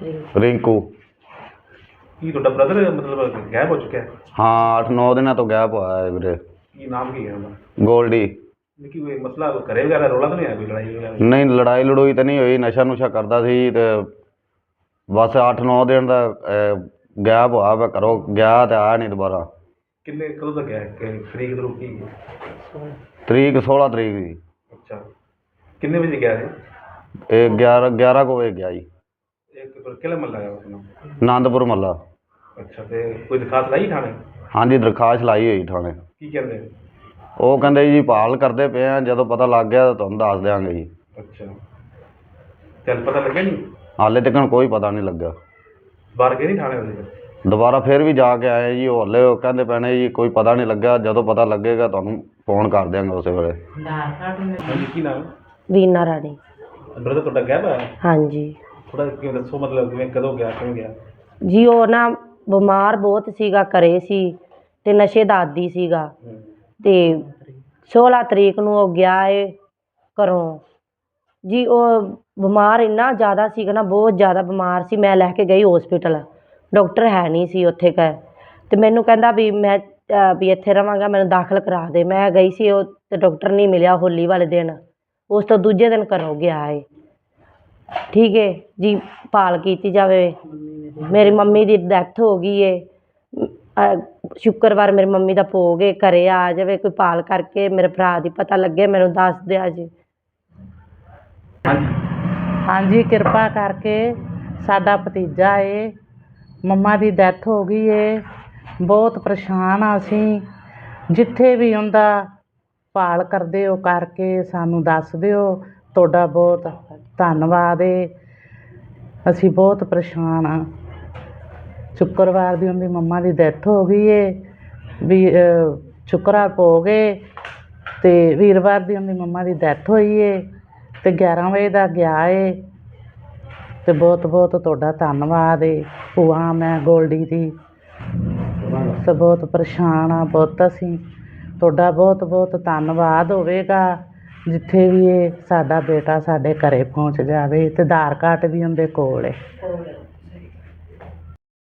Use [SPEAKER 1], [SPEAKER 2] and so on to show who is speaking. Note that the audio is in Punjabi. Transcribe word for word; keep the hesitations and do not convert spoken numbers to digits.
[SPEAKER 1] ਰਿੰਕੂ।
[SPEAKER 2] ਕੀ ਤੁਹਾਡਾ ਬ੍ਰਦਰ ਮਤਲਬ ਗਾਇਬ ਹੋ ਚੁੱਕਿਆ?
[SPEAKER 1] ਹਾਂ, ਅੱਠ ਨੌ ਦਿਨਾਂ ਤੋਂ ਗਾਇਬ ਹੋਇਆ ਹੈ ਵੀਰੇ।
[SPEAKER 2] ਕੀ ਨਾਮ ਕੀ ਹੈ ਉਹਦਾ?
[SPEAKER 1] ਗੋਲਡੀ।
[SPEAKER 2] ਕੀ ਕੋਈ ਮਸਲਾ ਘਰੇ ਵਗੈਰਾ ਰੌਲਾ ਤਾਂ ਨਹੀਂ ਆਇਆ, ਕੋਈ ਲੜਾਈ ਵਗੈਰਾ?
[SPEAKER 1] ਨਹੀਂ, ਲੜਾਈ ਲੜੂਈ ਤਾਂ ਨਹੀਂ ਹੋਈ। ਨਸ਼ਾ ਨੁਸ਼ਾ ਕਰਦਾ ਸੀ ਤੇ ਬਸ ਅੱਠ ਨੌ ਦਿਨ ਦਾ ਗਾਇਬ ਹੋਇਆ ਵਾ ਘਰੋਂ, ਗਿਆ ਤੇ ਆਇਆ ਨਹੀਂ ਦੁਬਾਰਾ।
[SPEAKER 2] ਕਿੰਨੇ ਕਦੋਂ ਤੱਕ ਗਿਆ? ਕਿ ਤਰੀਕ ਤਰੀਕ ਕੀ
[SPEAKER 1] ਤਰੀਕ ਸੋਲਾਂ ਤਰੀਕ ਦੀ।
[SPEAKER 2] ਅੱਛਾ, ਕਿੰਨੇ ਵਜੇ ਗਿਆ ਇਹ?
[SPEAKER 1] ਇਹ ਗਿਆਰਾਂ ਗਿਆਰਾਂ ਕੁ ਵਜੇ ਗਿਆ ਜੀ।
[SPEAKER 2] ਇਹ ਕਿਹੜਾ ਮਹੱਲਾ ਹੈ ਆਪਣਾ?
[SPEAKER 1] ਆਨੰਦਪੁਰ ਮਹੱਲਾ।
[SPEAKER 2] ਅੱਛਾ, ਤੇ ਕੋਈ ਦਰਖਾਸਤ ਲਾਈ ਥਾਣੇ?
[SPEAKER 1] ਹਾਂਜੀ, ਦਰਖਾਸਤ ਲਾਈ ਹੋਈ ਥਾਣੇ।
[SPEAKER 2] ਕੀ ਕਹਿੰਦੇ?
[SPEAKER 1] ਉਹ ਕਹਿੰਦੇ ਜੀ ਭਾਲ ਕਰਦੇ ਪਏ ਆ, ਜਦੋਂ ਪਤਾ ਲੱਗ ਗਿਆ ਤਾਂ ਤੁਹਾਨੂੰ ਦੱਸ ਦਿਆਂਗੇ ਜੀ।
[SPEAKER 2] ਅੱਛਾ, ਚੱਲ ਪਤਾ ਲੱਗਿਆ ਨਹੀਂ?
[SPEAKER 1] ਹਾਲੇ ਤੱਕ ਕੋਈ ਪਤਾ ਨਹੀਂ ਲੱਗਾ।
[SPEAKER 2] ਬਾਹਰ ਗਏ ਨਹੀਂ ਥਾਣੇ ਵਾਲੇ?
[SPEAKER 1] ਦੁਬਾਰਾ ਫਿਰ ਵੀ ਜਾ ਕੇ ਆਏ ਜੀ। ਉਹ ਹਾਲੇ ਉਹ ਕਹਿੰਦੇ ਪੈਣੇ ਜੀ ਕੋਈ ਪਤਾ ਨਹੀਂ ਲੱਗਾ, ਜਦੋਂ ਪਤਾ ਲੱਗੇਗਾ ਤੁਹਾਨੂੰ ਫੋਨ ਕਰ ਦਿਆਂਗੇ ਉਸੇ ਵੇਲੇ।
[SPEAKER 2] ਹਾਂਜੀ, ਕੀ ਨਾਮ?
[SPEAKER 3] ਵੀਨਾ ਰਾਣੀ।
[SPEAKER 2] ਬ੍ਰਦਰ ਤੁਹਾਡਾ ਗਾਇਬ ਹੈ?
[SPEAKER 3] ਹਾਂਜੀ
[SPEAKER 2] ਥੋੜਾ ਕਿਵੇਂ ਦੱਸੋ, ਮਤਲਬ ਕਿਵੇਂ, ਕਦੋਂ ਗਿਆ, ਕਿਵੇਂ ਗਿਆ?
[SPEAKER 3] ਜੀ ਉਹ ਨਾ ਬਿਮਾਰ ਬਹੁਤ ਸੀਗਾ, ਘਰੇ ਸੀ ਤੇ ਨਸ਼ੇ ਦਾ ਆਦੀ ਸੀਗਾ। ਤੇ ਸੋਲਾਂ ਤਰੀਕ ਨੂੰ ਉਹ ਗਿਆ ਏ ਘਰੋਂ ਜੀ। ਉਹ ਬਿਮਾਰ ਇੰਨਾ ਜ਼ਿਆਦਾ ਸੀਗਾ ਨਾ, ਬਹੁਤ ਜ਼ਿਆਦਾ ਬਿਮਾਰ ਸੀ। ਮੈਂ ਲੈ ਕੇ ਗਈ ਹੋਸਪਿਟਲ, ਡਾਕਟਰ ਹੈ ਨਹੀਂ ਸੀ ਉੱਥੇ ਕ ਤੇ ਮੈਨੂੰ ਕਹਿੰਦਾ ਵੀ ਮੈਂ ਵੀ ਇੱਥੇ ਰਵਾਂਗਾ, ਮੈਨੂੰ ਦਾਖਲ ਕਰਾ ਦੇ। ਮੈਂ ਗਈ ਸੀ, ਉਹ ਤੇ ਡਾਕਟਰ ਨਹੀਂ ਮਿਲਿਆ ਹੋਲੀ ਵਾਲੇ ਦਿਨ। ਉਸ ਤੋਂ ਦੂਜੇ ਦਿਨ ਘਰੋਂ ਗਿਆ ਏ। ਠੀਕ ਹੈ ਜੀ, ਭਾਲ ਕੀਤੀ ਜਾਵੇ। ਮੇਰੀ ਮੰਮੀ ਦੀ ਡੈਥ ਹੋ ਗਈ ਏ। ਸ਼ੁੱਕਰਵਾਰ ਮੇਰੀ ਮੰਮੀ ਦਾ ਭੋਗ ਏ, ਘਰੇ ਆ ਜਾਵੇ ਕੋਈ, ਭਾਲ ਕਰਕੇ ਮੇਰੇ ਭਰਾ ਦੀ ਪਤਾ ਲੱਗੇ, ਮੈਨੂੰ ਦੱਸ ਦਿਆ ਜੀ।
[SPEAKER 4] ਹਾਂਜੀ, ਕਿਰਪਾ ਕਰਕੇ ਸਾਡਾ ਭਤੀਜਾ ਏ, ਮੰਮਾ ਦੀ ਡੈਥ ਹੋ ਗਈ ਏ। ਬਹੁਤ ਪਰੇਸ਼ਾਨ ਆ ਅਸੀਂ। ਜਿੱਥੇ ਵੀ ਉਹਦਾ ਭਾਲ ਕਰਦੇ ਹੋ ਕਰਕੇ ਸਾਨੂੰ ਦੱਸ ਦਿਓ। ਤੁਹਾਡਾ ਬਹੁਤ ਧੰਨਵਾਦ ਏ। ਅਸੀਂ ਬਹੁਤ ਪਰੇਸ਼ਾਨ ਹਾਂ। ਸ਼ੁੱਕਰਵਾਰ ਦੀ ਉਹਦੀ ਮੰਮਾ ਦੀ ਡੈਥ ਹੋ ਗਈ ਏ। ਵੀ ਸ਼ੁੱਕਰਵਾਰ ਭੋਗ ਏ ਅਤੇ ਵੀਰਵਾਰ ਦੀ ਉਹਦੀ ਮੰਮਾ ਦੀ ਡੈਥ ਹੋਈ ਏ ਅਤੇ ਗਿਆਰਾਂ ਵਜੇ ਦਾ ਗਿਆ ਏ। ਅਤੇ ਬਹੁਤ ਬਹੁਤ ਤੁਹਾਡਾ ਧੰਨਵਾਦ ਏ। ਭੂਆ ਮੈਂ ਗੋਲਡੀ ਦੀ, ਅਤੇ ਬਹੁਤ ਪਰੇਸ਼ਾਨ ਹਾਂ ਪੁੱਤ ਅਸੀਂ। ਤੁਹਾਡਾ ਬਹੁਤ ਬਹੁਤ ਧੰਨਵਾਦ ਹੋਵੇਗਾ। ਜਿੱਥੇ ਵੀ ਇਹ ਸਾਡਾ ਬੇਟਾ ਸਾਡੇ ਘਰ ਪਹੁੰਚ ਜਾਵੇ, ਅਤੇ ਆਧਾਰ ਕਾਰਡ ਵੀ ਉਹਦੇ ਕੋਲ ਹੈ।